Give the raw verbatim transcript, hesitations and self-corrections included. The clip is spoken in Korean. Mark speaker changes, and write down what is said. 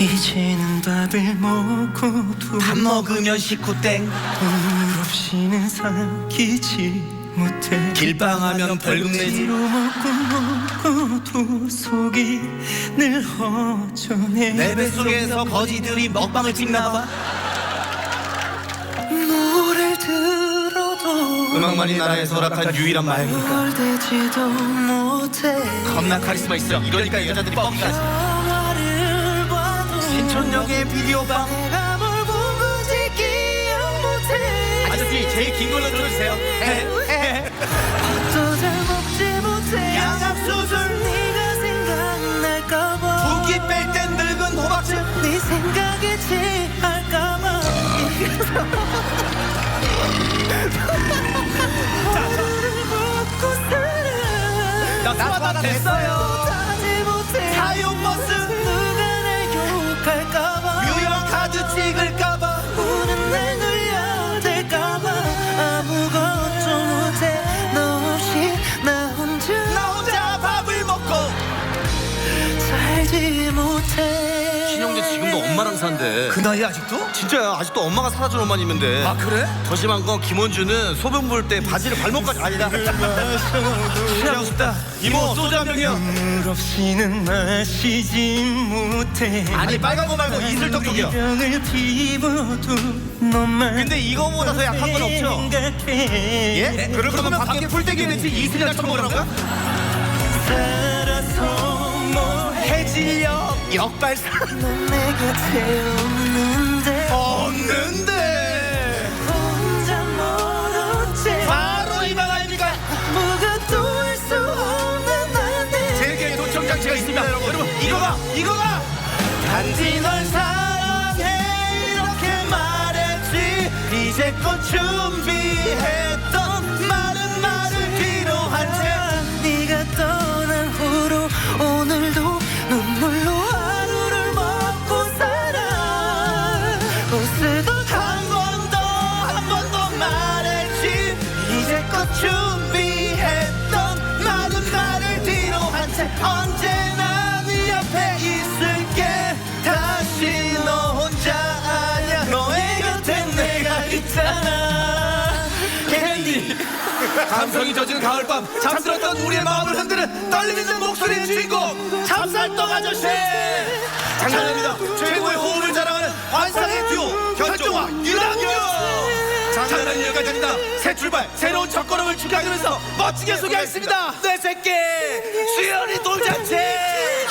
Speaker 1: 이제는 밥을 먹고도
Speaker 2: 밥 먹으면 식구땡,
Speaker 1: 물 없이는 사귀지 못해.
Speaker 2: 길빵하면 벌금 내지.
Speaker 1: 뒤로 먹고 먹고도 속이 늘 허전해.
Speaker 2: 내 뱃속에서 거지들이 먹방을 찍나봐.
Speaker 1: 노래를 들어도
Speaker 2: 음악만이 나라에서 허락한 유일한 마약이니까.
Speaker 1: 뭘 되지도 못해.
Speaker 2: 겁나 카리스마 있어. 이러니까 여자들이 뻥까지.
Speaker 1: 영화를 봐도
Speaker 2: 신촌역의 비디오방.
Speaker 1: 내가 뭘 본 건지 기억 못해.
Speaker 2: 아저씨 제일 긴 걸로 들어주세요.
Speaker 1: 밥도 잘 먹지 못해.
Speaker 2: 양압수술.
Speaker 1: 네가 생각날까봐.
Speaker 2: 붓기 뺄 땐 늙은 호박즙.
Speaker 1: 네 생각에 취할까봐. 하루를 먹고 살아.
Speaker 2: 나 수화다 됐어요.
Speaker 1: 하지 못해.
Speaker 2: 사용버스.
Speaker 1: 누가 날 욕할까봐.
Speaker 2: 유형 카드 찍을까봐.
Speaker 1: 우는 날 놀려댈까봐. 아무것도 못해. 너 없이 나 혼자
Speaker 2: 나 혼자 밥을 먹고
Speaker 1: 살지 못해.
Speaker 3: 신영재 지금도 엄마랑 산대.
Speaker 2: 그 나이 아직도?
Speaker 3: 진짜야. 아직도 엄마가 사다 준 옷만 입는데.
Speaker 2: 아 그래?
Speaker 3: 더 심한 건 김원주는 소변 볼 때 바지를 발목까지 아니다.
Speaker 2: 취하고 싶다. 이모 소주 한 병이요.
Speaker 1: 물 없이는 마시지 못해.
Speaker 2: 아니 빨간 거 말고 이슬떡떡이요.
Speaker 1: 병을 피워도 너만
Speaker 3: 근데 이거보다 더 약한 건 없죠?
Speaker 1: 생각해.
Speaker 2: 예? 그럴 거면 밖에 풀떼기 내지 이슬이나 처먹으라고요?
Speaker 1: 살아서 뭐
Speaker 2: 해질녘 역발상
Speaker 1: 넌 내 곁에 없는데
Speaker 2: 없는데
Speaker 1: 혼자 멀었지.
Speaker 2: 바로 이 방 아닙니까?
Speaker 1: 아무것도 할 수 없는 나한테
Speaker 2: 세계에 도청장치가 있습니다. 여러분 이거가 이거가 단지 널 사랑해 이렇게 말했지. 이제껏 준비했던 많은 말을 뒤로 한채
Speaker 1: 네가 떠난 후로 오늘도 눈물로 하루를 먹고 살아. 웃으도
Speaker 2: 한 번 더 한 번 더 말했지. 이제껏 준비했던 많은 말을 뒤로 한 채 언제나 네 옆에 있을게. 다시 너 혼자 아냐. 너의 곁에 내가 있잖아. 캔디 감성이 젖은 가을밤 잠들었던 우리의 마음을 흔드는 떨리는 목소리의 주인공 찹쌀떡 아저씨. 장난입니다. 최고의 호흡을 자랑하는 환상의 듀오 현종아 유랑규. 장난이 여기까지 아니다. 새 출발 새로운 첫걸음을 축하하면서 멋지게 소개하겠습니다. 내 새끼 수연이 돌잔치.